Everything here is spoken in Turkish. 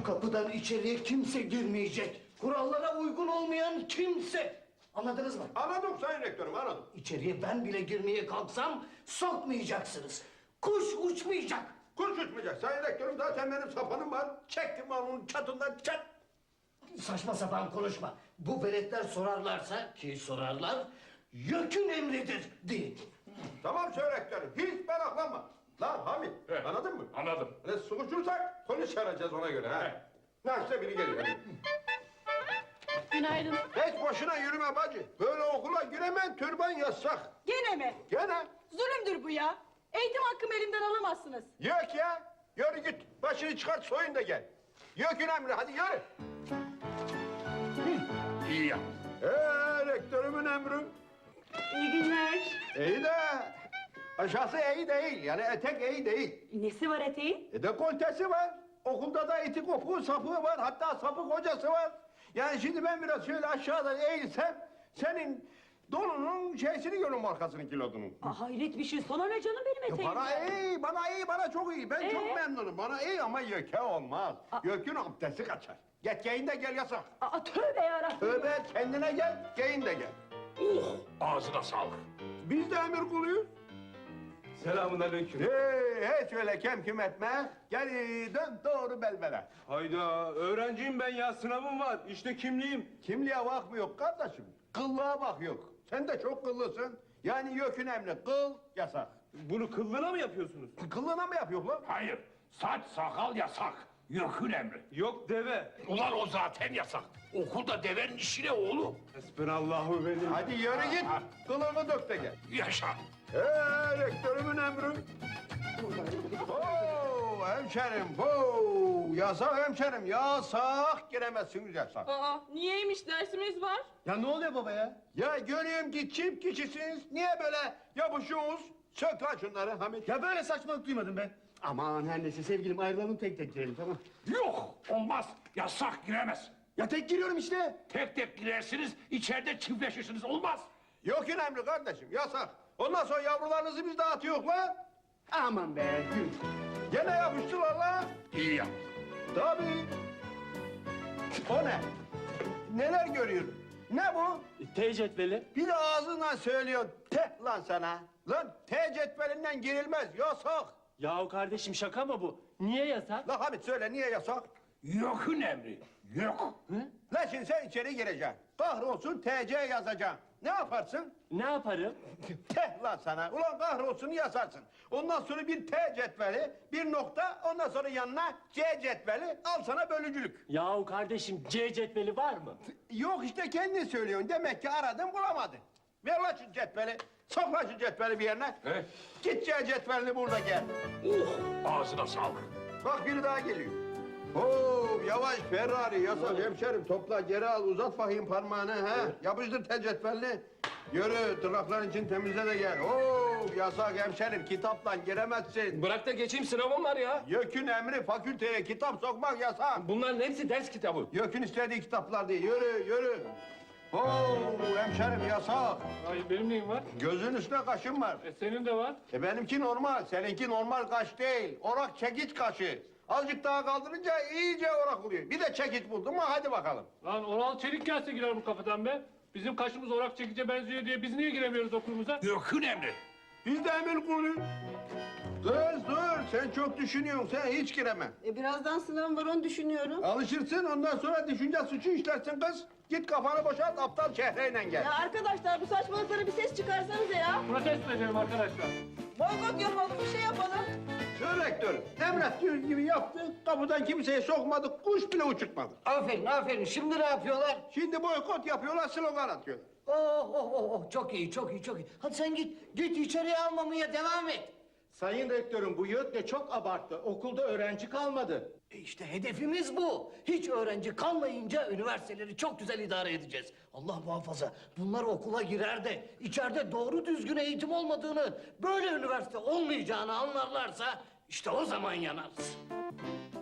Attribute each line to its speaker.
Speaker 1: kapıdan içeriye kimse girmeyecek. Kurallara uygun olmayan kimse. Anladınız mı?
Speaker 2: Anladım Sayın Rektörüm, anladım.
Speaker 1: İçeriye ben bile girmeye kalksam sokmayacaksınız. Kuş uçmayacak.
Speaker 2: Kuş uçmayacak Sayın Rektörüm, zaten benim sapanım var. Çektim onun çatından çat.
Speaker 1: Saçma sapan konuşma. Bu veletler sorarlarsa, ki sorarlar, YÖK'ün emridir deyin.
Speaker 2: Tamam Sayın Rektörüm, hiç meraklanma. Lan Hamit,
Speaker 3: Evet.
Speaker 2: anladın mı?
Speaker 3: Anladım.
Speaker 2: Hani sıkışırsak polis çağıracağız ona göre ha. Nasılsa biri geliyor.
Speaker 4: Günaydın.
Speaker 2: Hiç boşuna yürüme bacı. Böyle okula giremen, türban yasak.
Speaker 4: Gene mi?
Speaker 2: Gene.
Speaker 4: Zulümdür bu ya. Eğitim hakkımı elimden alamazsınız.
Speaker 2: Yok ya. Yürü git. Başını çıkart soyun da gel. Yökün emri, hadi yürü.
Speaker 3: İyi yap.
Speaker 2: Rektörümün emri.
Speaker 4: İyi günler.
Speaker 2: İyi de aşağısı iyi değil. Yani etek iyi değil.
Speaker 4: Nesi var eteğin?
Speaker 2: Dekoltesi var. Okulda da iti kopuğu sapığı var. Hatta sapık hocası var. Yani şimdi ben biraz şöyle aşağıda eğilsem senin donunun şeysini görürüm, arkasının kilodunun.
Speaker 4: Hayret bir şey. Sana ne canım benim eteğim?
Speaker 2: Bana iyi, bana çok iyi. Ben çok memnunum. Bana iyi ama YÖK'e olmaz. YÖK'ün abdesti kaçar. Git giyin de gel, yasak.
Speaker 4: Tövbe yarabbim.
Speaker 2: Tövbe, kendine gel, giyin de gel.
Speaker 3: Ağzına sağlık.
Speaker 2: Biz de emir kuluyuz.
Speaker 5: Selamünaleyküm.
Speaker 2: Hiç öyle kemküm etme. Gel dön doğru belbele.
Speaker 5: Hayda, öğrenciyim ben ya, sınavım var. İşte kimliğim.
Speaker 2: Kimliğe bakmıyor kardeşim. Kıllığa bak yok. Sen de çok kıllısın. Yani YÖK'ün emri, kıl yasak.
Speaker 5: Bunu kıllığına mı yapıyorsunuz?
Speaker 2: Kıllığına mı yapıyor lan?
Speaker 3: Hayır. Saç sakal yasak. YÖK'ün emri.
Speaker 5: Yok deve.
Speaker 3: Ulan o zaten yasak. Okulda devenin işine oğlum.
Speaker 5: Hasbunallahu ve ni'mel.
Speaker 2: Hadi yürü git. Kılığını dök de gel.
Speaker 3: Yaşa.
Speaker 2: Rektörümün emri. Hemşerim, yasak hemşerim, yasak, giremezsiniz yasak.
Speaker 4: Niyeymiş, dersimiz var?
Speaker 5: Ya ne oluyor baba ya?
Speaker 2: Ya görüyorum ki çift kişisiniz, niye böyle yapışıyorsunuz? Sök lan şunları Hamit.
Speaker 5: Ya böyle saçmalık duymadım ben. Aman her neyse sevgilim, ayrılalım, tek tek girelim, tamam.
Speaker 3: Yok. Olmaz. Yasak, giremez.
Speaker 5: Ya tek giriyorum işte.
Speaker 3: Tek tek girersiniz, içeride çiftleşirsiniz. Olmaz.
Speaker 2: Yok önemli kardeşim, yasak. Ondan sonra yavrularınızı biz dağıtıyoruz lan.
Speaker 5: Aman be.
Speaker 2: Gene yapıştılar lan.
Speaker 3: İyi yap.
Speaker 2: Tabii. O ne? Neler görüyorum? Ne bu?
Speaker 5: T cetveli.
Speaker 2: Bir de ağzından söylüyor, te lan sana. Lan T cetvelinden girilmez, yasak.
Speaker 5: Yahu kardeşim, şaka mı bu? Niye yasak?
Speaker 2: La Hamit söyle, niye yasak?
Speaker 3: YÖK'ün emri. YÖK.
Speaker 2: Lan şimdi sen içeri gireceksin. Kahrolsun TC yazacaksın. Ne yaparsın?
Speaker 5: Ne yaparım?
Speaker 2: Teh lan sana. Ulan kahrolsun yazarsın. Ondan sonra bir T cetveli, bir nokta, ondan sonra yanına C cetveli. Al sana bölücülük.
Speaker 5: Yahu kardeşim, C cetveli var mı?
Speaker 2: Yok işte kendin söylüyorsun. Demek ki aradın bulamadın. Ver lan şu cetveli. Sok lan şu cetveli bir yerine.
Speaker 3: He?
Speaker 2: Git C cetvelini burada gel.
Speaker 3: Ağzına sağlık.
Speaker 2: Bak biri daha geliyor. Yavaş Ferrari yasak hemşerim, topla geri al, uzat bakayım parmağını ha. Yapıştır tel cetvelini. Yürü tırnakların için temizle de gel. Yasak hemşerim, kitapla giremezsin.
Speaker 6: Bırak da geçeyim, sınavım var ya.
Speaker 2: YÖK'ün emri, fakülteye kitap sokmak yasak.
Speaker 6: Bunların hepsi ders kitabı.
Speaker 2: YÖK'ün istediği kitaplar değil, yürü. Hemşerim yasak.
Speaker 6: Ay benim neyim var?
Speaker 2: Gözün üstüne kaşın var.
Speaker 6: Senin de var.
Speaker 2: Benimki normal, seninki normal kaş değil. Orak çekiç kaşı. Azıcık daha kaldırınca iyice orak oluyor. Bir de çekiç buldum mu hadi bakalım.
Speaker 6: Lan Oral Çelik gelse girer bu kafadan be. Bizim kaşımız orak çekice benziyor diye biz niye giremiyoruz okulumuza?
Speaker 3: YÖK'ün emri.
Speaker 2: Biz de emir kuluyuz. Kız dur, sen çok düşünüyorsun, sen hiç gireme.
Speaker 4: Birazdan sınavım var, onu düşünüyorum.
Speaker 2: Alışırsın, ondan sonra düşünce suçu işlersin kız. Git kafanı boşalt, aptal şehreyle gel.
Speaker 4: Ya arkadaşlar, bu saçmalıklara bir ses çıkarsanıza ya.
Speaker 6: Protesto edelim arkadaşlar.
Speaker 4: Boykot yapalım, bir şey yapalım.
Speaker 2: Söyle rektörüm, emrettiğiniz gibi yaptık, kapıdan kimseyi sokmadık, kuş bile uçurtmadık.
Speaker 1: Aferin. Şimdi ne yapıyorlar?
Speaker 2: Şimdi boykot yapıyorlar, slogan atıyorlar.
Speaker 1: Çok iyi. Hadi sen git içeriye almamaya devam et.
Speaker 5: Sayın rektörüm, bu YÖK çok abarttı. Okulda öğrenci kalmadı.
Speaker 1: İşte hedefimiz bu. Hiç öğrenci kalmayınca üniversiteleri çok güzel idare edeceğiz. Allah muhafaza bunlar okula girer de içeride doğru düzgün eğitim olmadığını, böyle üniversite olmayacağını anlarlarsa işte o zaman yanarız.